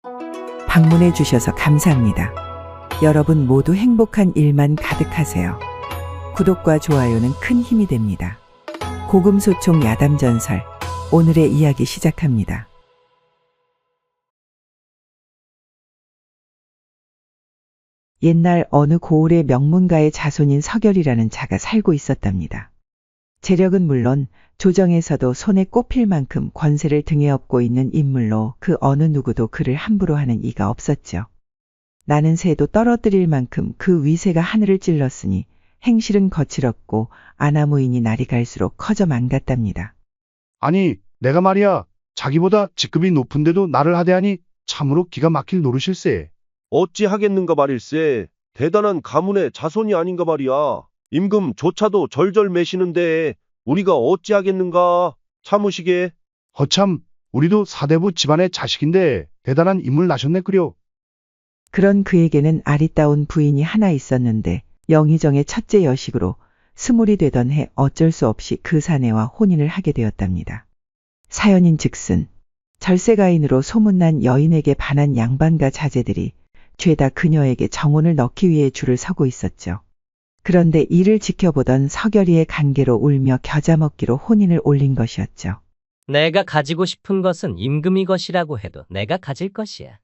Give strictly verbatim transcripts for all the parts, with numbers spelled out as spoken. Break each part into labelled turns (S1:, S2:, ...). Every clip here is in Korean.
S1: 방문해 주셔서 감사합니다. 여러분 모두 행복한 일만 가득하세요. 구독과 좋아요는 큰 힘이 됩니다. 고금소총 야담전설, 오늘의 이야기 시작합니다. 옛날 어느 고을의 명문가의 자손인 서결이라는 자가 살고 있었답니다. 재력은 물론 조정에서도 손에 꼽힐 만큼 권세를 등에 업고 있는 인물로 그 어느 누구도 그를 함부로 하는 이가 없었죠. 나는 새도 떨어뜨릴 만큼 그 위세가 하늘을 찔렀으니 행실은 거칠었고 아나무인이 날이 갈수록 커져 망갔답니다.
S2: 아니, 내가 말이야, 자기보다 직급이 높은데도 나를 하대하니 참으로 기가 막힐 노릇일세.
S3: 어찌 하겠는가 말일세. 대단한 가문의 자손이 아닌가 말이야. 임금조차도 절절 매시는데 우리가 어찌 하겠는가. 참으시게.
S2: 허참, 우리도 사대부 집안의 자식인데 대단한 인물 나셨네 그려.
S1: 그런 그에게는 아리따운 부인이 하나 있었는데 영의정의 첫째 여식으로 스물이 되던 해 어쩔 수 없이 그 사내와 혼인을 하게 되었답니다. 사연인 즉슨 절세가인으로 소문난 여인에게 반한 양반과 자제들이 죄다 그녀에게 정혼을 넣기 위해 줄을 서고 있었죠. 그런데 이를 지켜보던 서결이의 간계로 울며 겨자 먹기로 혼인을 올린 것이었죠.
S4: 내가 가지고 싶은 것은 임금이 것이라고 해도 내가 가질 것이야.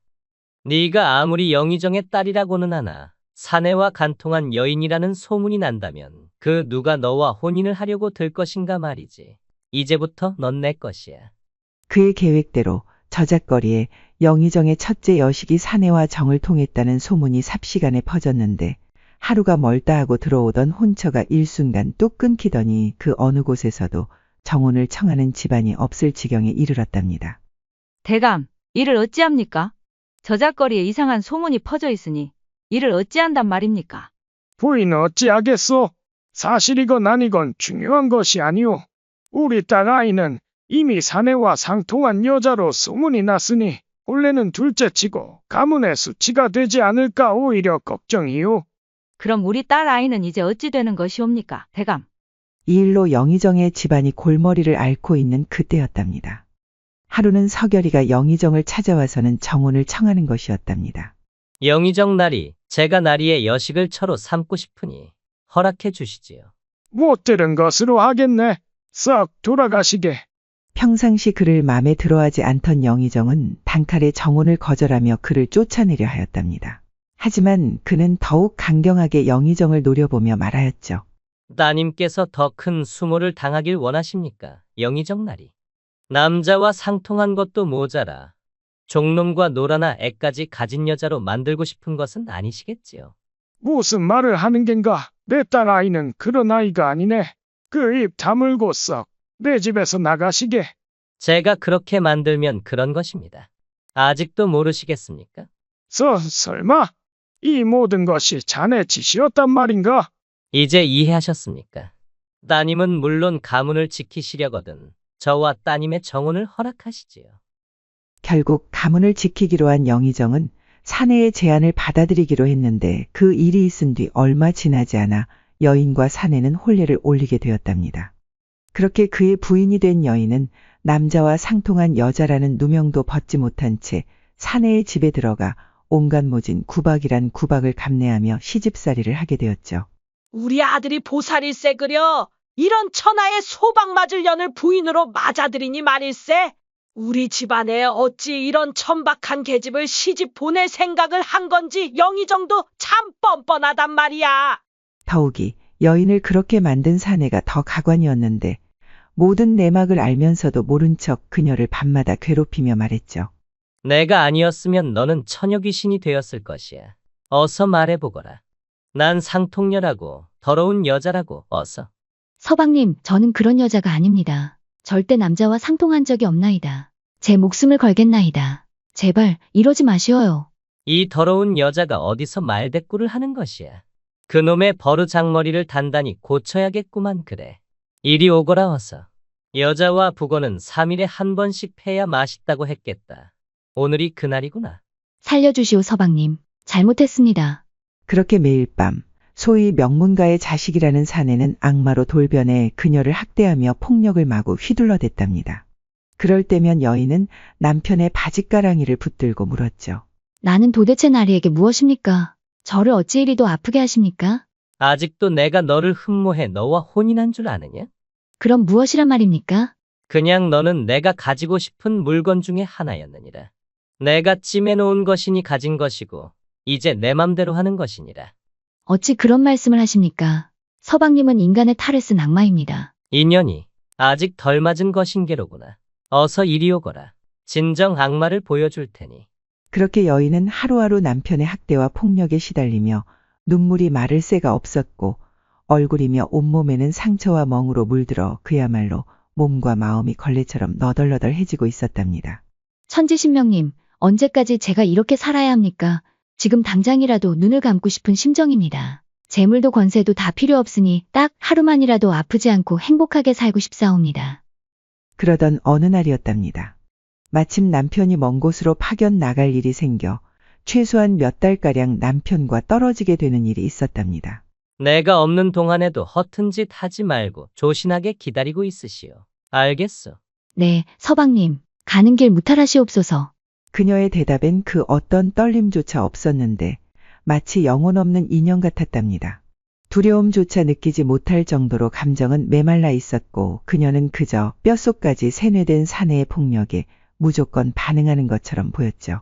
S4: 네가 아무리 영의정의 딸이라고는 하나 사내와 간통한 여인이라는 소문이 난다면 그 누가 너와 혼인을 하려고 들 것인가 말이지. 이제부터 넌 내 것이야.
S1: 그의 계획대로 저작거리에 영의정의 첫째 여식이 사내와 정을 통했다는 소문이 삽시간에 퍼졌는데 하루가 멀다 하고 들어오던 혼처가 일순간 뚝 끊기더니 그 어느 곳에서도 정혼을 청하는 집안이 없을 지경에 이르렀답니다.
S5: 대감, 이를 어찌합니까? 저작거리에 이상한 소문이 퍼져 있으니 이를 어찌한단 말입니까?
S6: 부인 어찌하겠소? 사실이건 아니건 중요한 것이 아니오. 우리 딸 아이는 이미 사내와 상통한 여자로 소문이 났으니 본래는 둘째치고 가문의 수치가 되지 않을까 오히려 걱정이오.
S5: 그럼 우리 딸 아이는 이제 어찌 되는 것이옵니까, 대감?
S1: 이 일로 영의정의 집안이 골머리를 앓고 있는 그때였답니다. 하루는 서결이가 영의정을 찾아와서는 정혼을 청하는 것이었답니다.
S4: 영의정 나리, 제가 나리의 여식을 처로 삼고 싶으니 허락해 주시지요.
S6: 못 들은 것으로 하겠네. 썩 돌아가시게.
S1: 평상시 그를 마음에 들어하지 않던 영의정은 단칼에 정혼을 거절하며 그를 쫓아내려 하였답니다. 하지만 그는 더욱 강경하게 영의정을 노려보며 말하였죠.
S4: 따님께서 더 큰 수모를 당하길 원하십니까? 영의정 나리. 남자와 상통한 것도 모자라 종놈과 노라나 애까지 가진 여자로 만들고 싶은 것은 아니시겠지요.
S6: 무슨 말을 하는 겐가? 내 딸 아이는 그런 아이가 아니네. 그 입 다물고 썩 내 집에서 나가시게.
S4: 제가 그렇게 만들면 그런 것입니다. 아직도 모르시겠습니까?
S6: 서, 설마 이 모든 것이 자네 짓이었단 말인가?
S4: 이제 이해하셨습니까? 따님은 물론 가문을 지키시려거든 저와 따님의 정혼을 허락하시지요.
S1: 결국 가문을 지키기로 한 영의정은 사내의 제안을 받아들이기로 했는데 그 일이 있은 뒤 얼마 지나지 않아 여인과 사내는 혼례를 올리게 되었답니다. 그렇게 그의 부인이 된 여인은 남자와 상통한 여자라는 누명도 벗지 못한 채 사내의 집에 들어가 온갖 모진 구박이란 구박을 감내하며 시집살이를 하게 되었죠.
S7: 우리 아들이 보살일세 그려. 이런 천하의 소방 맞을 년을 부인으로 맞아들이니 말일세. 우리 집안에 어찌 이런 천박한 계집을 시집 보낼 생각을 한 건지 영의정도 참 뻔뻔하단 말이야.
S1: 더욱이 여인을 그렇게 만든 사내가 더 가관이었는데 모든 내막을 알면서도 모른 척 그녀를 밤마다 괴롭히며 말했죠.
S4: 내가 아니었으면 너는 처녀 귀신이 되었을 것이야. 어서 말해보거라. 난 상통녀라고 더러운 여자라고 어서.
S8: 서방님, 저는 그런 여자가 아닙니다. 절대 남자와 상통한 적이 없나이다. 제 목숨을 걸겠나이다. 제발 이러지 마시어요.
S4: 이 더러운 여자가 어디서 말대꾸를 하는 것이야. 그놈의 버르장머리를 단단히 고쳐야겠구만. 그래. 이리 오거라 어서. 여자와 북어는 삼 일에 한 번씩 패야 맛있다고 했겠다. 오늘이 그날이구나.
S8: 살려주시오 서방님. 잘못했습니다.
S1: 그렇게 매일 밤 소위 명문가의 자식이라는 사내는 악마로 돌변해 그녀를 학대하며 폭력을 마구 휘둘러댔답니다. 그럴 때면 여인은 남편의 바짓가랑이를 붙들고 물었죠.
S8: 나는 도대체 나리에게 무엇입니까? 저를 어찌 이리도 아프게 하십니까?
S4: 아직도 내가 너를 흠모해 너와 혼인한 줄 아느냐?
S8: 그럼 무엇이란 말입니까?
S4: 그냥 너는 내가 가지고 싶은 물건 중에 하나였느니라. 내가 찜해놓은 것이니 가진 것이고 이제 내 맘대로 하는 것이니라.
S8: 어찌 그런 말씀을 하십니까? 서방님은 인간의 탈을 쓴 악마입니다.
S4: 인연이 아직 덜 맞은 것인게로구나. 어서 이리 오거라. 진정 악마를 보여줄 테니.
S1: 그렇게 여인은 하루하루 남편의 학대와 폭력에 시달리며 눈물이 마를 새가 없었고 얼굴이며 온몸에는 상처와 멍으로 물들어 그야말로 몸과 마음이 걸레처럼 너덜너덜해지고 있었답니다.
S8: 천지신명님, 언제까지 제가 이렇게 살아야 합니까? 지금 당장이라도 눈을 감고 싶은 심정입니다. 재물도 권세도 다 필요 없으니 딱 하루만이라도 아프지 않고 행복하게 살고 싶사옵니다.
S1: 그러던 어느 날이었답니다. 마침 남편이 먼 곳으로 파견 나갈 일이 생겨 최소한 몇 달가량 남편과 떨어지게 되는 일이 있었답니다.
S4: 내가 없는 동안에도 허튼 짓 하지 말고 조신하게 기다리고 있으시오. 알겠소?
S8: 네, 서방님, 가는 길 무탈하시옵소서.
S1: 그녀의 대답엔 그 어떤 떨림조차 없었는데 마치 영혼 없는 인형 같았답니다. 두려움조차 느끼지 못할 정도로 감정은 메말라 있었고 그녀는 그저 뼛속까지 세뇌된 사내의 폭력에 무조건 반응하는 것처럼 보였죠.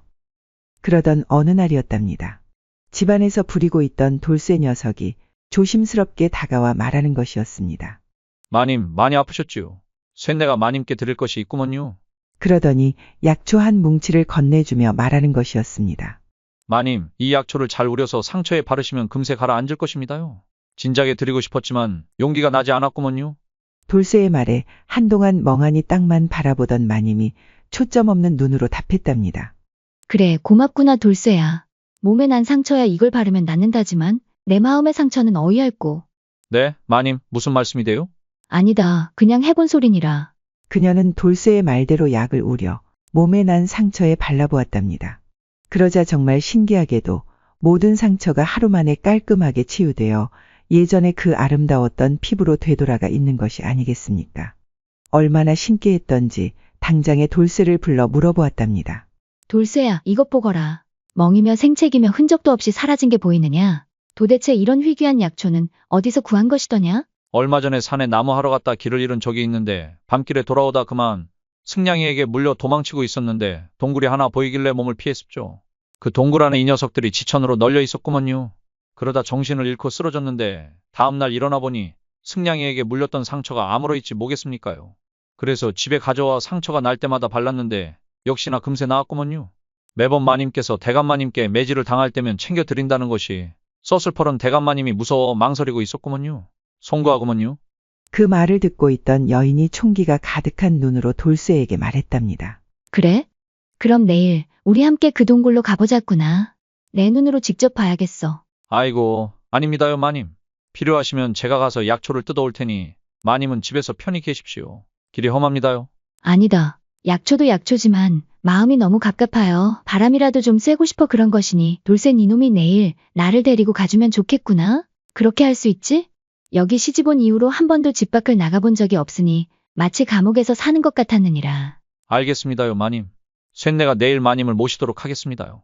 S1: 그러던 어느 날이었답니다. 집안에서 부리고 있던 돌쇠 녀석이 조심스럽게 다가와 말하는 것이었습니다.
S9: 마님, 많이 아프셨지요? 쇳내가 마님께 드릴 것이 있구먼요.
S1: 그러더니 약초 한 뭉치를 건네주며 말하는 것이었습니다.
S9: 마님, 이 약초를 잘 우려서 상처에 바르시면 금세 가라앉을 것입니다요. 진작에 드리고 싶었지만 용기가 나지 않았구먼요.
S1: 돌쇠의 말에 한동안 멍하니 땅만 바라보던 마님이 초점 없는 눈으로 답했답니다.
S8: 그래, 고맙구나 돌쇠야. 몸에 난 상처야 이걸 바르면 낫는다지만 내 마음의 상처는 어이없고.
S9: 네, 마님, 무슨 말씀이돼요?
S8: 아니다, 그냥 해본 소리니라.
S1: 그녀는 돌쇠의 말대로 약을 우려 몸에 난 상처에 발라보았답니다. 그러자 정말 신기하게도 모든 상처가 하루 만에 깔끔하게 치유되어 예전에 그 아름다웠던 피부로 되돌아가 있는 것이 아니겠습니까? 얼마나 신기했던지 당장에 돌쇠를 불러 물어보았답니다.
S8: 돌쇠야, 이것 보거라. 멍이며 생채기며 흔적도 없이 사라진 게 보이느냐? 도대체 이런 희귀한 약초는 어디서 구한 것이더냐?
S9: 얼마 전에 산에 나무하러 갔다 길을 잃은 적이 있는데 밤길에 돌아오다 그만 승냥이에게 물려 도망치고 있었는데 동굴이 하나 보이길래 몸을 피했습죠. 그 동굴 안에 이 녀석들이 지천으로 널려 있었구먼요. 그러다 정신을 잃고 쓰러졌는데 다음날 일어나 보니 승냥이에게 물렸던 상처가 아무러 있지 뭐겠습니까요. 그래서 집에 가져와 상처가 날 때마다 발랐는데 역시나 금세 나았구먼요. 매번 마님께서 대감마님께 매질을 당할 때면 챙겨드린다는 것이 서슬퍼런 대감마님이 무서워 망설이고 있었구먼요. 송구하구먼요.
S1: 그 말을 듣고 있던 여인이 총기가 가득한 눈으로 돌쇠에게 말했답니다.
S8: 그래? 그럼 내일 우리 함께 그 동굴로 가보자꾸나. 내 눈으로 직접 봐야겠어.
S9: 아이고, 아닙니다요 마님. 필요하시면 제가 가서 약초를 뜯어올 테니 마님은 집에서 편히 계십시오. 길이 험합니다요.
S8: 아니다. 약초도 약초지만 마음이 너무 갑갑하여 바람이라도 좀 쐬고 싶어 그런 것이니 돌쇠 니놈이 내일 나를 데리고 가주면 좋겠구나. 그렇게 할 수 있지? 여기 시집 온 이후로 한 번도 집 밖을 나가본 적이 없으니 마치 감옥에서 사는 것 같았느니라.
S9: 알겠습니다요 마님. 쇳내가 내일 마님을 모시도록 하겠습니다요.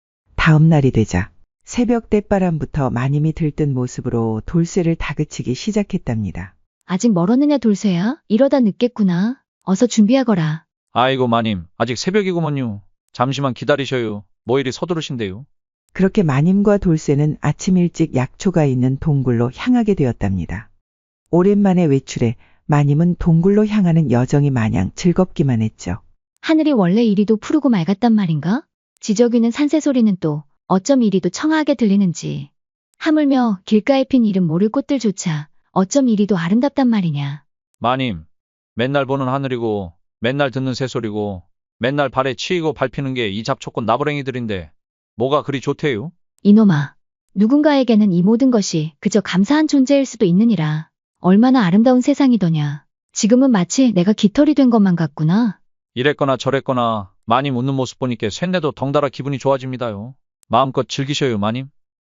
S1: 다음 날이 되자 새벽 때바람부터 마님이 들뜬 모습으로 돌쇠를 다그치기 시작했답니다.
S8: 아직 멀었느냐 돌쇠야? 이러다 늦겠구나. 어서 준비하거라.
S9: 아이고 마님, 아직 새벽이구먼요. 잠시만 기다리셔요. 뭐 이리 서두르신데요.
S1: 그렇게 마님과 돌쇠는 아침 일찍 약초가 있는 동굴로 향하게 되었답니다. 오랜만에 외출해 마님은 동굴로 향하는 여정이 마냥 즐겁기만 했죠.
S8: 하늘이 원래 이리도 푸르고 맑았단 말인가? 지저귀는 산새소리는 또 어쩜 이리도 청아하게 들리는지. 하물며 길가에 핀 이름 모를 꽃들조차 어쩜 이리도 아름답단 말이냐.
S9: 마님, 맨날 보는 하늘이고 맨날 듣는 새소리고 맨날 발에 치이고 밟히는 게 이 잡초꽃 나부랭이들인데 뭐가 그리 좋대요?
S8: 이놈아, 누군가에게는 이 모든 것이 그저 감사한 존재일 수도 있느니라. 얼마나 아름다운 세상이더냐. 지금은 마치 내가 깃털이 된 것만 같구나.
S9: 이랬거나 저랬거나 마님 웃는 모습 보니까 쇳내도 덩달아 기분이 좋아집니다요. 마음껏 즐기셔요 마님.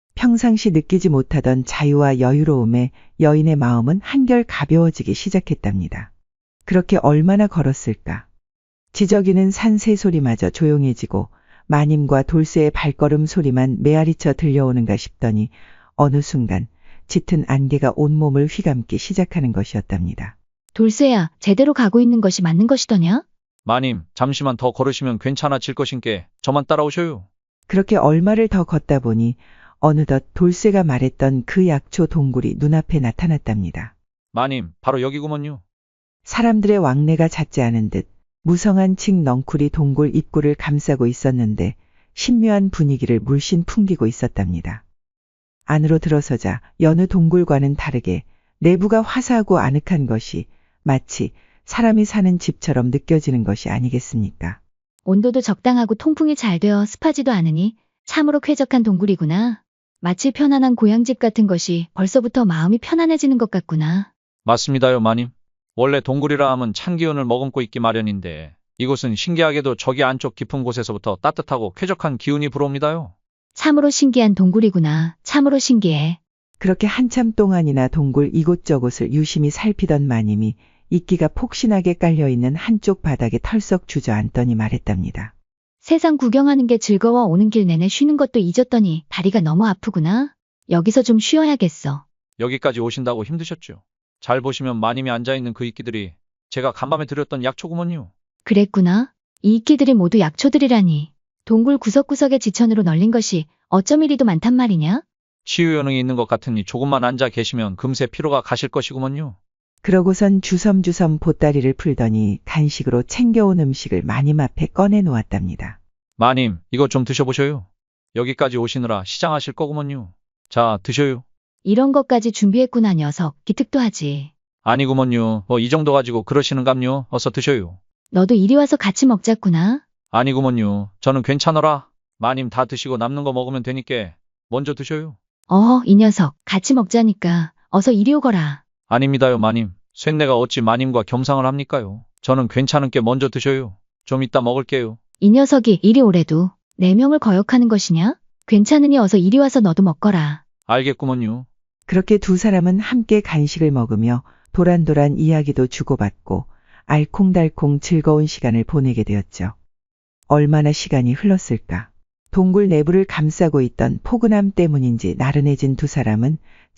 S1: 평상시 느끼지 못하던 자유와 여유로움에 여인의 마음은 한결 가벼워지기 시작했답니다. 그렇게 얼마나 걸었을까? 지저귀는 산새 소리마저 조용해지고 마님과 돌쇠의 발걸음 소리만 메아리쳐 들려오는가 싶더니 어느 순간 짙은 안개가 온몸을 휘감기 시작하는 것이었답니다.
S8: 돌쇠야, 제대로 가고 있는 것이 맞는 것이더냐?
S9: 마님, 잠시만 더 걸으시면 괜찮아질 것인께 저만 따라오셔요.
S1: 그렇게 얼마를 더 걷다 보니 어느덧 돌쇠가 말했던 그 약초 동굴이 눈앞에 나타났답니다.
S9: 마님, 바로 여기구먼요.
S1: 사람들의 왕래가 잦지 않은 듯 무성한 칡 넝쿨이 동굴 입구를 감싸고 있었는데 신묘한 분위기를 물씬 풍기고 있었답니다. 안으로 들어서자 여느 동굴과는 다르게 내부가 화사하고 아늑한 것이 마치 사람이 사는 집처럼 느껴지는 것이 아니겠습니까?
S8: 온도도 적당하고 통풍이 잘 되어 습하지도 않으니 참으로 쾌적한 동굴이구나. 마치 편안한 고향집 같은 것이 벌써부터 마음이 편안해지는 것 같구나.
S9: 맞습니다요, 마님. 원래 동굴이라 함은 찬 기운을 머금고 있기 마련인데 이곳은 신기하게도 저기 안쪽 깊은 곳에서부터 따뜻하고 쾌적한 기운이 불어옵니다요.
S8: 참으로 신기한 동굴이구나. 참으로 신기해.
S1: 그렇게 한참 동안이나 동굴 이곳저곳을 유심히 살피던 마님이 이끼가 폭신하게 깔려있는 한쪽 바닥에 털썩 주저앉더니 말했답니다.
S8: 세상 구경하는 게 즐거워 오는 길 내내 쉬는 것도 잊었더니 다리가 너무 아프구나. 여기서 좀 쉬어야겠어.
S9: 여기까지 오신다고 힘드셨죠? 잘 보시면 마님이 앉아있는 그 이끼들이 제가 간밤에 드렸던 약초구먼요.
S8: 그랬구나. 이 이끼들이 모두 약초들이라니. 동굴 구석구석에 지천으로 널린 것이 어쩜 이리도 많단 말이냐?
S9: 치유 요능이 있는 것 같으니 조금만 앉아 계시면 금세 피로가 가실 것이구먼요.
S1: 그러고선 주섬주섬 보따리를 풀더니 간식으로 챙겨온 음식을 마님 앞에 꺼내 놓았답니다.
S9: 마님, 이거 좀 드셔보셔요. 여기까지 오시느라 시장하실 거구먼요. 자, 드셔요.
S8: 이런 것까지 준비했구나 녀석. 기특도 하지.
S9: 아니구먼요. 뭐 이 정도 가지고 그러시는감요. 어서 드셔요.
S8: 너도 이리 와서 같이 먹자꾸나.
S9: 아니구먼요. 저는 괜찮어라. 마님 다 드시고 남는 거 먹으면 되니까 먼저 드셔요.
S8: 어, 이 녀석. 같이 먹자니까. 어서 이리 오거라.
S9: 아닙니다요, 마님. 쇳내가 어찌 마님과 겸상을 합니까요? 저는 괜찮은 게 먼저 드셔요. 좀 이따 먹을게요.
S8: 이 녀석이 이리 오래도 네 명을 거역하는 것이냐? 괜찮으니 어서 이리 와서 너도 먹거라.
S9: 알겠구먼요.
S1: 그렇게 두 사람은 함께 간식을 먹으며 도란도란 이야기도 주고받고 알콩달콩 즐거운 시간을 보내게 되었죠. 얼마나 시간이 흘렀을까? 동굴 내부를 감싸고 있던 포근함 때문인지 나른해진 두 사람은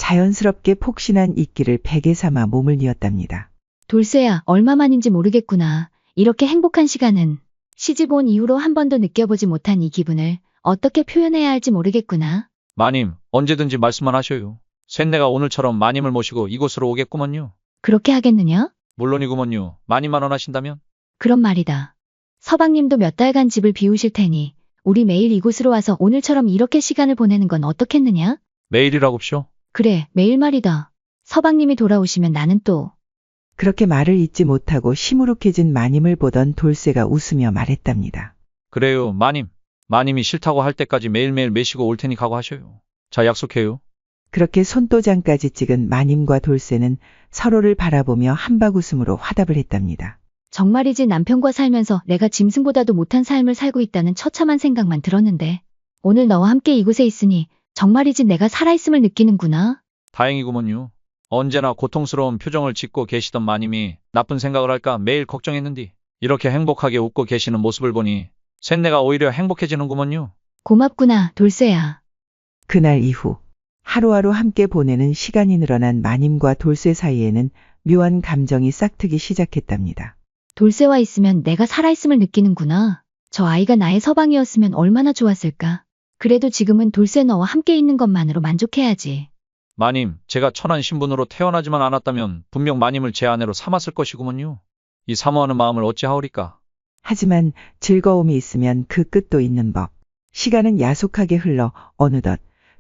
S1: 자연스럽게 폭신한 이끼를 베개 삼아 몸을 뉘었답니다.
S8: 돌쇠야, 얼마만인지 모르겠구나. 이렇게 행복한 시간은 시집 온 이후로 한 번도 느껴보지 못한 이 기분을 어떻게 표현해야 할지 모르겠구나.
S9: 마님, 언제든지 말씀만 하셔요. 쇳내가 오늘처럼 마님을 모시고 이곳으로 오겠구먼요.
S8: 그렇게 하겠느냐?
S9: 물론이구먼요. 마님만 원하신다면?
S8: 그런 말이다. 서방님도 몇 달간 집을 비우실 테니 우리 매일 이곳으로 와서 오늘처럼 이렇게 시간을 보내는 건 어떻겠느냐?
S9: 매일이라고쇼?
S8: 그래, 매일 말이다. 서방님이 돌아오시면 나는 또.
S1: 그렇게 말을 잇지 못하고 시무룩해진 마님을 보던 돌쇠가 웃으며 말했답니다.
S9: 그래요, 마님. 마님이 싫다고 할 때까지 매일매일 매시고 올 테니 각오하셔요. 자, 약속해요.
S1: 그렇게 손도장까지 찍은 마님과 돌쇠는 서로를 바라보며 한박웃음으로 화답을 했답니다.
S8: 정말이지 남편과 살면서 내가 짐승보다도 못한 삶을 살고 있다는 처참한 생각만 들었는데 오늘 너와 함께 이곳에 있으니 정말이지 내가 살아있음을 느끼는구나.
S9: 다행이구먼요. 언제나 고통스러운 표정을 짓고 계시던 마님이 나쁜 생각을 할까 매일 걱정했는디 이렇게 행복하게 웃고 계시는 모습을 보니 쇳내가 오히려 행복해지는구먼요.
S8: 고맙구나, 돌쇠야.
S1: 그날 이후 하루하루 함께 보내는 시간이 늘어난 마님과 돌쇠 사이에는 묘한 감정이 싹트기 시작했답니다.
S8: 돌쇠와 있으면 내가 살아있음을 느끼는구나. 저 아이가 나의 서방이었으면 얼마나 좋았을까. 그래도 지금은 돌쇠 너와 함께 있는 것만으로 만족해야지.
S9: 마님, 제가 천한 신분으로 태어나지만 않았다면 분명 마님을 제 아내로 삼았을 것이구먼요. 이 사모하는 마음을 어찌하오리까.
S1: 하지만 즐거움이 있으면 그 끝도 있는 법. 시간은 야속하게 흘러 어느덧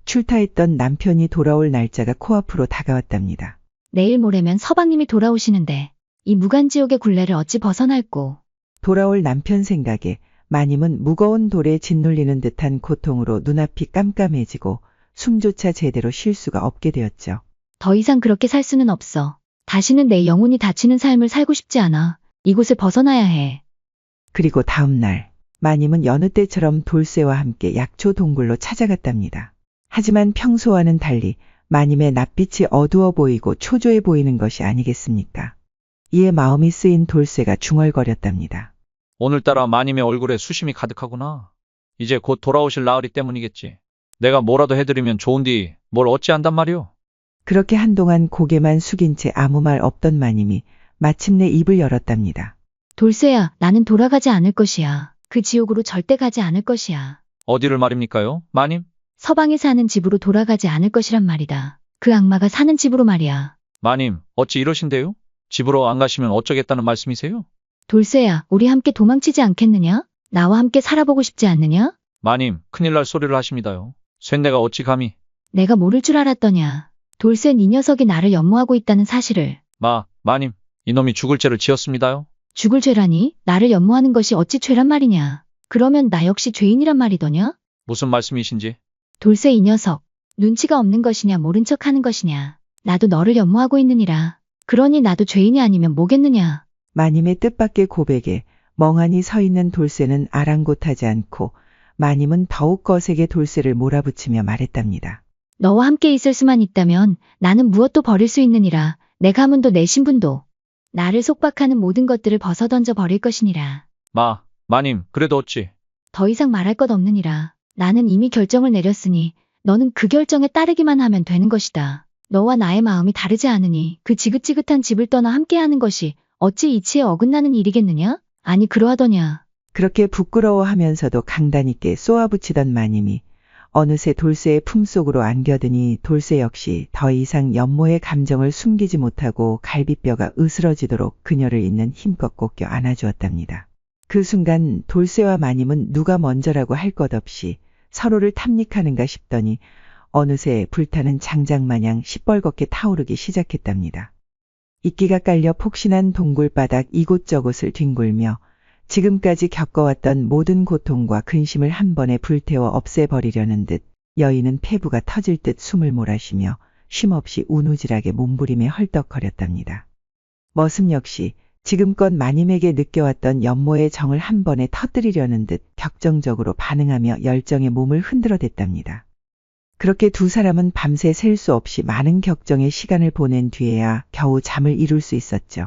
S1: 출타했던 남편이 돌아올 날짜가 코앞으로 다가왔답니다.
S8: 내일 모레면 서방님이 돌아오시는데 이 무간지옥의 굴레를 어찌 벗어날꼬.
S1: 돌아올 남편 생각에 마님은 무거운 돌에 짓눌리는 듯한 고통으로 눈앞이 깜깜해지고 숨조차 제대로 쉴 수가 없게 되었죠.
S8: 더 이상 그렇게 살 수는 없어. 다시는 내 영혼이 다치는 삶을 살고 싶지 않아. 이곳을 벗어나야 해.
S1: 그리고 다음 날 마님은 여느 때처럼 돌쇠와 함께 약초 동굴로 찾아갔답니다. 하지만 평소와는 달리 마님의 낯빛이 어두워 보이고 초조해 보이는 것이 아니겠습니까? 이에 마음이 쓰인 돌쇠가 중얼거렸답니다.
S9: 오늘따라 마님의 얼굴에 수심이 가득하구나. 이제 곧 돌아오실 나으리 때문이겠지. 내가 뭐라도 해드리면 좋은디 뭘 어찌한단 말이오?
S1: 그렇게 한동안 고개만 숙인 채 아무 말 없던 마님이 마침내 입을 열었답니다.
S8: 돌쇠야, 나는 돌아가지 않을 것이야. 그 지옥으로 절대 가지 않을 것이야.
S9: 어디를 말입니까요, 마님?
S8: 서방이 사는 집으로 돌아가지 않을 것이란 말이다. 그 악마가 사는 집으로 말이야.
S9: 마님, 어찌 이러신데요? 집으로 안 가시면 어쩌겠다는 말씀이세요?
S8: 돌쇠야, 우리 함께 도망치지 않겠느냐? 나와 함께 살아보고 싶지 않느냐?
S9: 마님, 큰일 날 소리를 하십니다요. 쇳내가 어찌 감히.
S8: 내가 모를 줄 알았더냐. 돌쇠는 이 녀석이 나를 연모하고 있다는 사실을.
S9: 마, 마님, 이놈이 죽을 죄를 지었습니다요.
S8: 죽을 죄라니? 나를 연모하는 것이 어찌 죄란 말이냐? 그러면 나 역시 죄인이란 말이더냐?
S9: 무슨 말씀이신지.
S8: 돌쇠 이 녀석. 눈치가 없는 것이냐 모른 척 하는 것이냐. 나도 너를 연모하고 있느니라. 그러니 나도 죄인이 아니면 뭐겠느냐.
S1: 마님의 뜻밖의 고백에 멍하니 서 있는 돌쇠는 아랑곳하지 않고 마님은 더욱 거세게 돌쇠를 몰아붙이며 말했답니다.
S8: 너와 함께 있을 수만 있다면 나는 무엇도 버릴 수 있느니라. 내 가문도 내 신분도. 나를 속박하는 모든 것들을 벗어던져 버릴 것이니라.
S9: 마, 마님, 그래도 어찌.
S8: 더 이상 말할 것 없느니라. 나는 이미 결정을 내렸으니 너는 그 결정에 따르기만 하면 되는 것이다. 너와 나의 마음이 다르지 않으니 그 지긋지긋한 집을 떠나 함께하는 것이 어찌 이치에 어긋나는 일이겠느냐? 아니 그러하더냐.
S1: 그렇게 부끄러워하면서도 강단 있게 쏘아붙이던 마님이 어느새 돌쇠의 품속으로 안겨드니 돌쇠 역시 더 이상 연모의 감정을 숨기지 못하고 갈비뼈가 으스러지도록 그녀를 있는 힘껏 꼭 껴 안아주었답니다. 그 순간 돌쇠와 마님은 누가 먼저라고 할 것 없이 서로를 탐닉하는가 싶더니 어느새 불타는 장작마냥 시뻘겋게 타오르기 시작했답니다. 이끼가 깔려 폭신한 동굴바닥 이곳저곳을 뒹굴며 지금까지 겪어왔던 모든 고통과 근심을 한 번에 불태워 없애버리려는 듯 여인은 폐부가 터질 듯 숨을 몰아쉬며 쉼없이 우누질하게 몸부림에 헐떡거렸답니다. 머슴 역시 지금껏 마님에게 느껴왔던 연모의 정을 한 번에 터뜨리려는 듯 격정적으로 반응하며 열정의 몸을 흔들어댔답니다. 그렇게 두 사람은 밤새 셀 수 없이 많은 격정의 시간을 보낸 뒤에야 겨우 잠을 이룰 수 있었죠.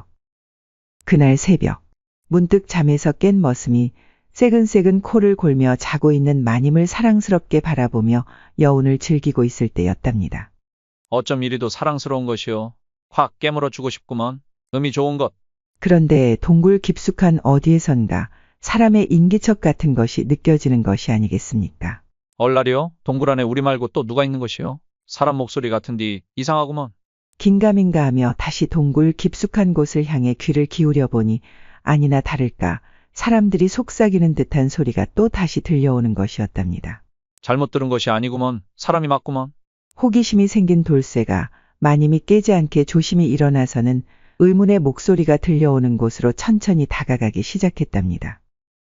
S1: 그날 새벽, 문득 잠에서 깬 머슴이 새근새근 코를 골며 자고 있는 마님을 사랑스럽게 바라보며 여운을 즐기고 있을 때였답니다.
S9: 어쩜 이리도 사랑스러운 것이요. 확 깨물어 주고 싶구먼. 음이 좋은 것.
S1: 그런데 동굴 깊숙한 어디에선가 사람의 인기척 같은 것이 느껴지는 것이 아니겠습니까?
S9: 얼라리요? 동굴 안에 우리 말고 또 누가 있는 것이요? 사람 목소리 같은디 이상하구먼.
S1: 긴가민가 하며 다시 동굴 깊숙한 곳을 향해 귀를 기울여 보니 아니나 다를까 사람들이 속삭이는 듯한 소리가 또 다시 들려오는 것이었답니다.
S9: 잘못 들은 것이 아니구먼. 사람이 맞구먼.
S1: 호기심이 생긴 돌쇠가 마님이 깨지 않게 조심히 일어나서는 의문의 목소리가 들려오는 곳으로 천천히 다가가기 시작했답니다.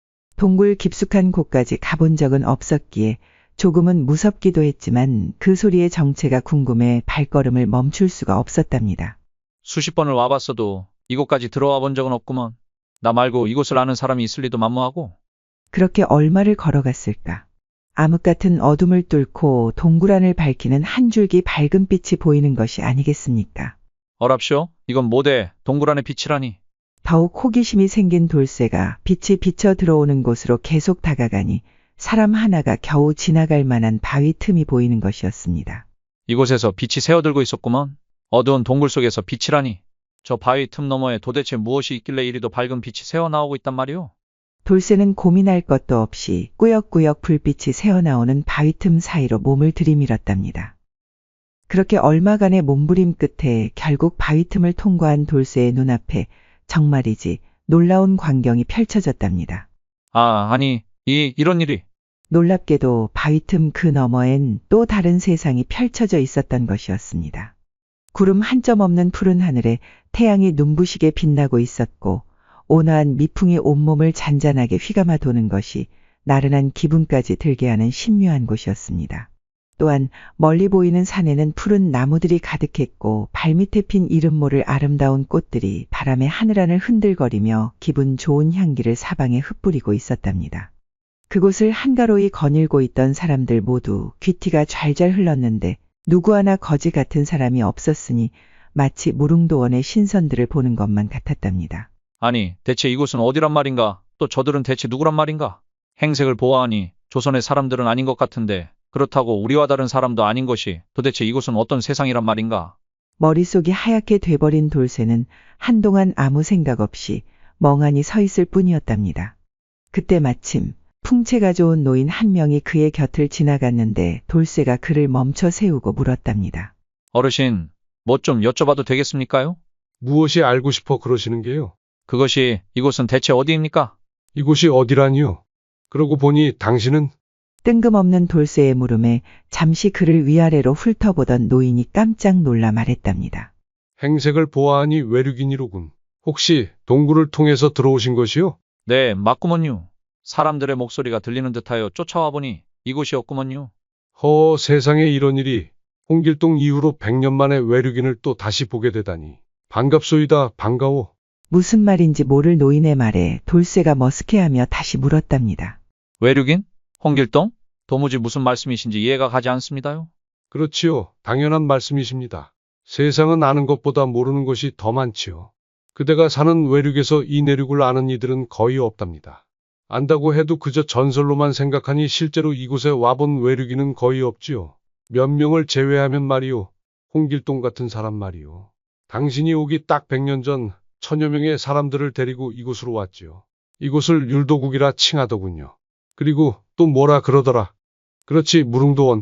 S1: 동굴 깊숙한 곳까지 가본 적은 없었기에 조금은 무섭기도 했지만 그 소리의 정체가 궁금해 발걸음을 멈출 수가 없었답니다.
S9: 수십 번을 와봤어도 이곳까지 들어와 본 적은 없구먼. 나 말고 이곳을 아는 사람이 있을 리도 만무하고.
S1: 그렇게 얼마를 걸어갔을까? 암흑 같은 어둠을 뚫고 동굴 안을 밝히는 한 줄기 밝은 빛이 보이는 것이 아니겠습니까?
S9: 어랍쇼? 이건 뭐대? 동굴 안의 빛이라니.
S1: 더욱 호기심이 생긴 돌쇠가 빛이 비쳐 들어오는 곳으로 계속 다가가니 사람 하나가 겨우 지나갈 만한 바위 틈이 보이는 것이었습니다.
S9: 이곳에서 빛이 새어들고 있었구먼. 어두운 동굴 속에서 빛이라니. 저 바위 틈 너머에 도대체 무엇이 있길래 이리도 밝은 빛이 새어나오고 있단 말이오?
S1: 돌쇠는 고민할 것도 없이 꾸역꾸역 불빛이 새어나오는 바위 틈 사이로 몸을 들이밀었답니다. 그렇게 얼마간의 몸부림 끝에 결국 바위 틈을 통과한 돌쇠의 눈앞에 정말이지 놀라운 광경이 펼쳐졌답니다.
S9: 아, 아니, 이, 이런 일이.
S1: 놀랍게도 바위 틈 그 너머엔 또 다른 세상이 펼쳐져 있었던 것이었습니다. 구름 한 점 없는 푸른 하늘에 태양이 눈부시게 빛나고 있었고 온화한 미풍이 온몸을 잔잔하게 휘감아 도는 것이 나른한 기분까지 들게 하는 신묘한 곳이었습니다. 또한 멀리 보이는 산에는 푸른 나무들이 가득했고 발밑에 핀 이름 모를 아름다운 꽃들이 바람에 하늘하늘 흔들거리며 기분 좋은 향기를 사방에 흩뿌리고 있었답니다. 그곳을 한가로이 거닐고 있던 사람들 모두 귀티가 잘잘 흘렀는데 누구 하나 거지 같은 사람이 없었으니 마치 무릉도원의 신선들을 보는 것만 같았답니다.
S9: 아니, 대체 이곳은 어디란 말인가? 또 저들은 대체 누구란 말인가? 행색을 보아하니 조선의 사람들은 아닌 것 같은데 그렇다고 우리와 다른 사람도 아닌 것이 도대체 이곳은 어떤 세상이란 말인가?
S1: 머릿속이 하얗게 돼버린 돌쇠는 한동안 아무 생각 없이 멍하니 서 있을 뿐이었답니다. 그때 마침 풍채가 좋은 노인 한 명이 그의 곁을 지나갔는데 돌쇠가 그를 멈춰 세우고 물었답니다.
S9: 어르신, 뭐 좀 여쭤봐도 되겠습니까요?
S10: 무엇이 알고 싶어 그러시는 게요?
S9: 그것이 이곳은 대체 어디입니까?
S10: 이곳이 어디라니요? 그러고 보니 당신은
S1: 뜬금없는 돌쇠의 물음에 잠시 그를 위아래로 훑어보던 노인이 깜짝 놀라 말했답니다.
S10: 행색을 보아하니 외륙인이로군. 혹시 동굴을 통해서 들어오신 것이요?
S9: 네, 맞구먼요. 사람들의 목소리가 들리는 듯하여 쫓아와 보니 이곳이었구먼요.
S10: 허, 세상에 이런 일이. 홍길동 이후로 백 년 만에 외륙인을 또 다시 보게 되다니. 반갑소이다, 반가워.
S1: 무슨 말인지 모를 노인의 말에 돌쇠가 머쓱해하며 다시 물었답니다.
S9: 외륙인? 홍길동? 도무지 무슨 말씀이신지 이해가 가지 않습니다요.
S10: 그렇지요. 당연한 말씀이십니다. 세상은 아는 것보다 모르는 것이 더 많지요. 그대가 사는 외륙에서 이 내륙을 아는 이들은 거의 없답니다. 안다고 해도 그저 전설로만 생각하니 실제로 이곳에 와본 외륙인은 거의 없지요. 몇 명을 제외하면 말이요. 홍길동 같은 사람 말이요. 당신이 오기 딱 백 년 전 천여 명의 사람들을 데리고 이곳으로 왔지요. 이곳을 율도국이라 칭하더군요. 그리고 또 뭐라 그러더라. 그렇지, 무릉도원.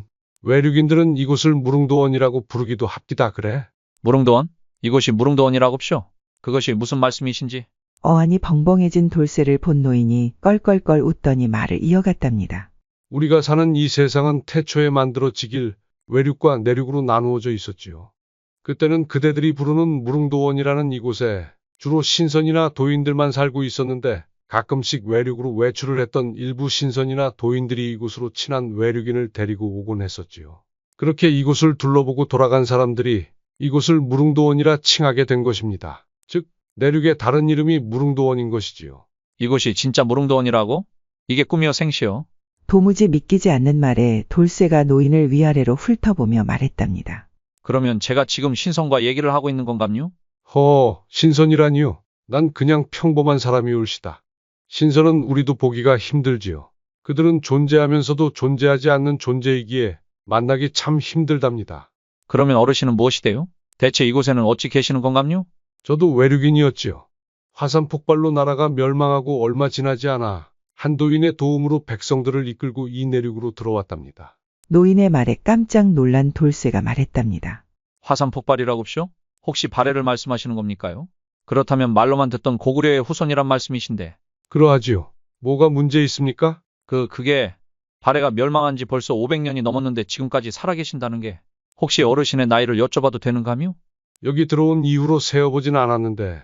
S10: 외륙인들은 이곳을 무릉도원이라고 부르기도 합디다 그래.
S9: 무릉도원? 이곳이 무릉도원이라고쇼? 그것이 무슨 말씀이신지.
S1: 어안이 벙벙해진 돌쇠를 본 노인이 껄껄껄 웃더니 말을 이어갔답니다.
S10: 우리가 사는 이 세상은 태초에 만들어지길 외륙과 내륙으로 나누어져 있었지요. 그때는 그대들이 부르는 무릉도원이라는 이곳에 주로 신선이나 도인들만 살고 있었는데 가끔씩 외륙으로 외출을 했던 일부 신선이나 도인들이 이곳으로 친한 외륙인을 데리고 오곤 했었지요. 그렇게 이곳을 둘러보고 돌아간 사람들이 이곳을 무릉도원이라 칭하게 된 것입니다. 즉, 내륙의 다른 이름이 무릉도원인 것이지요.
S9: 이곳이 진짜 무릉도원이라고? 이게 꿈이여 생시여?
S1: 도무지 믿기지 않는 말에 돌쇠가 노인을 위아래로 훑어보며 말했답니다.
S9: 그러면 제가 지금 신선과 얘기를 하고 있는 건감요?
S10: 허, 신선이라니요. 난 그냥 평범한 사람이 올시다. 신선은 우리도 보기가 힘들지요. 그들은 존재하면서도 존재하지 않는 존재이기에 만나기 참 힘들답니다.
S9: 그러면 어르신은 무엇이 돼요? 대체 이곳에는 어찌 계시는 건감요?
S10: 저도 외륙인이었지요. 화산 폭발로 나라가 멸망하고 얼마 지나지 않아 한도인의 도움으로 백성들을 이끌고 이 내륙으로 들어왔답니다.
S1: 노인의 말에 깜짝 놀란 돌쇠가 말했답니다.
S9: 화산 폭발이라고쇼? 혹시 발해를 말씀하시는 겁니까요? 그렇다면 말로만 듣던 고구려의 후손이란 말씀이신데.
S10: 그러하지요. 뭐가 문제 있습니까?
S9: 그, 그게 발해가 멸망한 지 벌써 오백 년이 넘었는데 지금까지 살아계신다는 게 혹시 어르신의 나이를 여쭤봐도 되는가요?
S10: 여기 들어온 이후로 세어보진 않았는데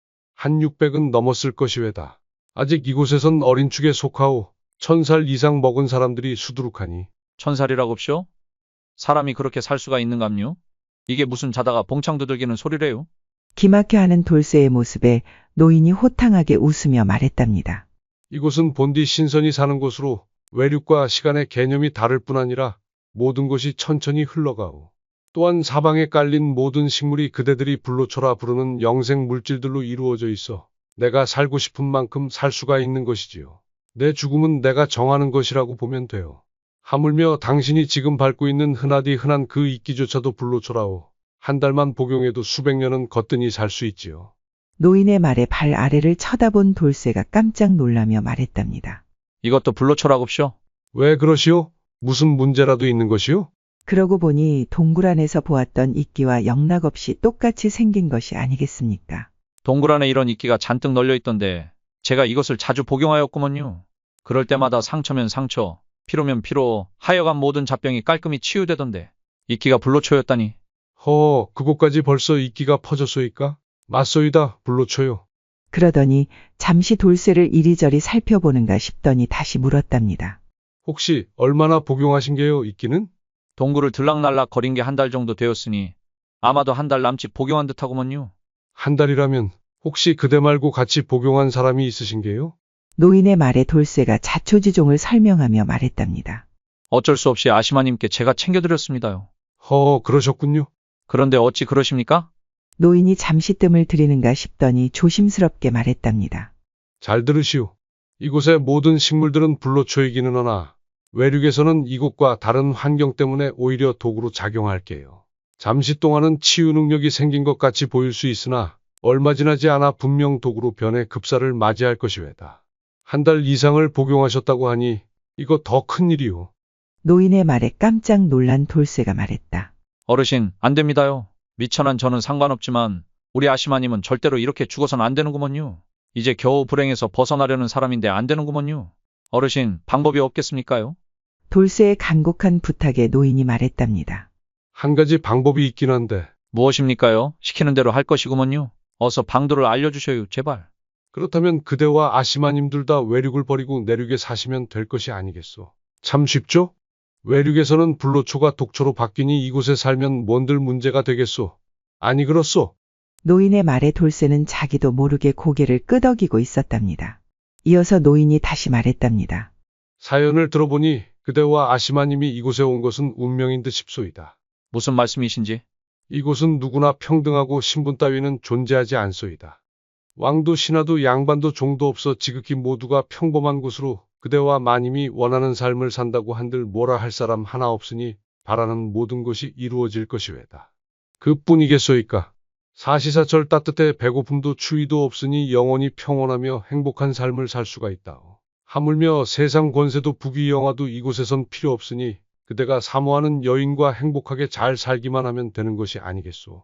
S10: 한 육백은 넘었을 것이외다. 아직 이곳에선 어린 축에 속하오 천 살 이상 먹은 사람들이 수두룩하니.
S9: 천살이라고쇼? 사람이 그렇게 살 수가 있는감요? 이게 무슨 자다가 봉창 두들기는 소리래요?
S1: 기막혀하는 돌쇠의 모습에 노인이 호탕하게 웃으며 말했답니다.
S10: 이곳은 본디 신선이 사는 곳으로 외륙과 시간의 개념이 다를 뿐 아니라 모든 것이 천천히 흘러가오. 또한 사방에 깔린 모든 식물이 그대들이 불로초라 부르는 영생 물질들로 이루어져 있어 내가 살고 싶은 만큼 살 수가 있는 것이지요. 내 죽음은 내가 정하는 것이라고 보면 돼요. 하물며 당신이 지금 밟고 있는 흔하디 흔한 그 이끼조차도 불로초라오. 한 달만 복용해도 수백 년은 거뜬히 살 수 있지요.
S1: 노인의 말에 발 아래를 쳐다본 돌쇠가 깜짝 놀라며 말했답니다.
S9: 이것도 불로초라고쇼?
S10: 왜 그러시오? 무슨 문제라도 있는 것이오?
S1: 그러고 보니 동굴 안에서 보았던 이끼와 영락없이 똑같이 생긴 것이 아니겠습니까?
S9: 동굴 안에 이런 이끼가 잔뜩 널려 있던데 제가 이것을 자주 복용하였구먼요. 그럴 때마다 상처면 상처, 피로면 피로, 하여간 모든 잡병이 깔끔히 치유되던데 이끼가 불로초였다니.
S10: 허, 그곳까지 벌써 이끼가 퍼졌소이까? 맞소이다, 불로초요.
S1: 그러더니 잠시 돌쇠를 이리저리 살펴보는가 싶더니 다시 물었답니다.
S10: 혹시 얼마나 복용하신 게요, 이끼는?
S9: 동굴을 들락날락 거린 게 한 달 정도 되었으니 아마도 한 달 남짓 복용한 듯하구먼요.
S10: 한 달이라면 혹시 그대 말고 같이 복용한 사람이 있으신 게요?
S1: 노인의 말에 돌쇠가 자초지종을 설명하며 말했답니다.
S9: 어쩔 수 없이 아시마님께 제가 챙겨드렸습니다요.
S10: 허, 그러셨군요.
S9: 그런데 어찌 그러십니까?
S1: 노인이 잠시 뜸을 들이는가 싶더니 조심스럽게 말했답니다.
S10: 잘 들으시오. 이곳의 모든 식물들은 불로초이기는 하나 외륙에서는 이곳과 다른 환경 때문에 오히려 독으로 작용할게요. 잠시 동안은 치유 능력이 생긴 것 같이 보일 수 있으나 얼마 지나지 않아 분명 독으로 변해 급사를 맞이할 것이외다. 한 달 이상을 복용하셨다고 하니 이거 더 큰일이오.
S1: 노인의 말에 깜짝 놀란 돌쇠가 말했다.
S9: 어르신, 안 됩니다요. 미천한 저는 상관없지만 우리 아시마님은 절대로 이렇게 죽어선 안 되는구먼요. 이제 겨우 불행에서 벗어나려는 사람인데 안 되는구먼요. 어르신, 방법이 없겠습니까요?
S1: 돌쇠의 간곡한 부탁에 노인이 말했답니다.
S10: 한 가지 방법이 있긴 한데
S9: 무엇입니까요? 시키는 대로 할 것이구먼요. 어서 방도를 알려주셔요, 제발.
S10: 그렇다면 그대와 아시마님 둘 다 외륙을 버리고 내륙에 사시면 될 것이 아니겠소. 참 쉽죠? 외륙에서는 불로초가 독초로 바뀌니 이곳에 살면 뭔들 문제가 되겠소. 아니 그렇소?
S1: 노인의 말에 돌쇠는 자기도 모르게 고개를 끄덕이고 있었답니다. 이어서 노인이 다시 말했답니다.
S10: 사연을 들어보니 그대와 아시마님이 이곳에 온 것은 운명인 듯 싶소이다.
S9: 무슨 말씀이신지?
S10: 이곳은 누구나 평등하고 신분 따위는 존재하지 않소이다. 왕도 신하도 양반도 종도 없어 지극히 모두가 평범한 곳으로 그대와 마님이 원하는 삶을 산다고 한들 뭐라 할 사람 하나 없으니 바라는 모든 것이 이루어질 것이외다. 그뿐이겠소이까. 사시사철 따뜻해 배고픔도 추위도 없으니 영원히 평온하며 행복한 삶을 살 수가 있다오. 하물며 세상 권세도 부귀영화도 이곳에선 필요 없으니 그대가 사모하는 여인과 행복하게 잘 살기만 하면 되는 것이 아니겠소.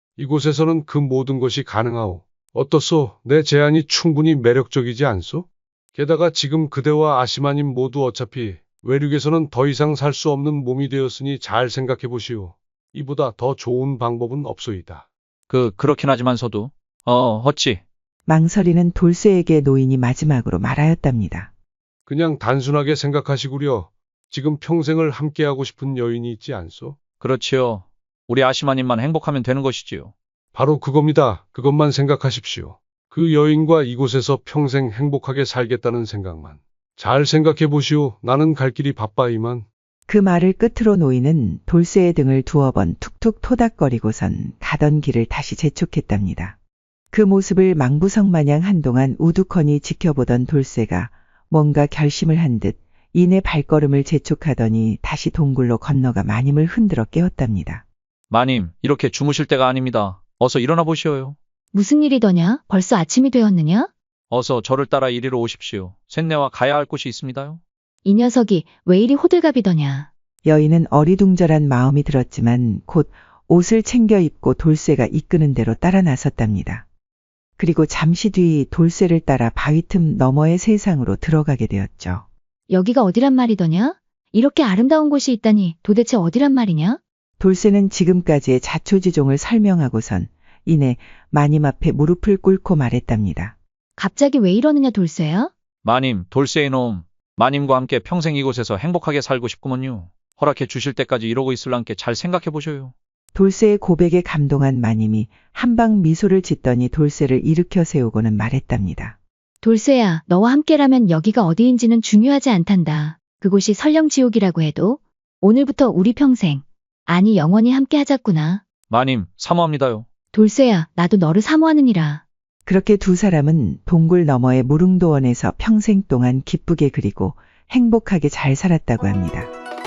S10: 이곳에서는 그 모든 것이 가능하오. 어떻소? 내 제안이 충분히 매력적이지 않소? 게다가 지금 그대와 아시마님 모두 어차피 외륙에서는 더 이상 살 수 없는 몸이 되었으니 잘 생각해 보시오. 이보다 더 좋은 방법은 없소이다.
S9: 그, 그렇긴 하지만서도. 어, 어찌.
S1: 망설이는 돌쇠에게 노인이 마지막으로 말하였답니다.
S10: 그냥 단순하게 생각하시구려. 지금 평생을 함께하고 싶은 여인이 있지 않소?
S9: 그렇지요. 우리 아시마님만 행복하면 되는 것이지요.
S10: 바로 그겁니다. 그것만 생각하십시오. 그 여인과 이곳에서 평생 행복하게 살겠다는 생각만. 잘 생각해 보시오. 나는 갈 길이 바빠 이만.
S1: 그 말을 끝으로 노인은 돌쇠의 등을 두어 번 툭툭 토닥거리고선 가던 길을 다시 재촉했답니다. 그 모습을 망부성마냥 한동안 우두커니 지켜보던 돌쇠가 뭔가 결심을 한 듯 이내 발걸음을 재촉하더니 다시 동굴로 건너가 마님을 흔들어 깨웠답니다.
S9: 마님, 이렇게 주무실 때가 아닙니다. 어서 일어나 보시오요.
S8: 무슨 일이더냐? 벌써 아침이 되었느냐?
S9: 어서 저를 따라 이리로 오십시오. 셋내와 가야 할 곳이 있습니다요.
S8: 이 녀석이 왜 이리 호들갑이더냐?
S1: 여인은 어리둥절한 마음이 들었지만 곧 옷을 챙겨 입고 돌쇠가 이끄는 대로 따라 나섰답니다. 그리고 잠시 뒤 돌쇠를 따라 바위 틈 너머의 세상으로 들어가게 되었죠.
S8: 여기가 어디란 말이더냐? 이렇게 아름다운 곳이 있다니 도대체 어디란 말이냐?
S1: 돌쇠는 지금까지의 자초지종을 설명하고선 이내 마님 앞에 무릎을 꿇고 말했답니다.
S8: 갑자기 왜 이러느냐 돌쇠야?
S9: 마님, 돌쇠의 놈. 마님과 함께 평생 이곳에서 행복하게 살고 싶구먼요. 허락해 주실 때까지 이러고 있을랑께 잘 생각해 보셔요.
S1: 돌쇠의 고백에 감동한 마님이 한방 미소를 짓더니 돌쇠를 일으켜 세우고는 말했답니다.
S8: 돌쇠야, 너와 함께라면 여기가 어디인지는 중요하지 않단다. 그곳이 설령 지옥이라고 해도 오늘부터 우리 평생, 아니 영원히 함께 하자꾸나.
S9: 마님, 사모합니다요.
S8: 돌쇠야, 나도 너를 사모하느니라.
S1: 그렇게 두 사람은 동굴 너머의 무릉도원에서 평생 동안 기쁘게 그리고 행복하게 잘 살았다고 합니다.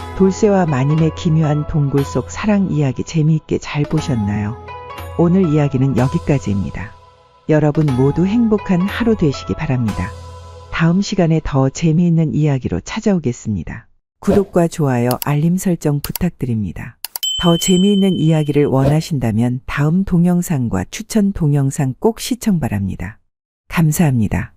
S1: 돌쇠와 마님의 기묘한 동굴 속 사랑 이야기 재미있게 잘 보셨나요? 오늘 이야기는 여기까지입니다. 여러분 모두 행복한 하루 되시기 바랍니다. 다음 시간에 더 재미있는 이야기로 찾아오겠습니다. 구독과 좋아요, 알림 설정 부탁드립니다. 더 재미있는 이야기를 원하신다면 다음 동영상과 추천 동영상 꼭 시청 바랍니다. 감사합니다.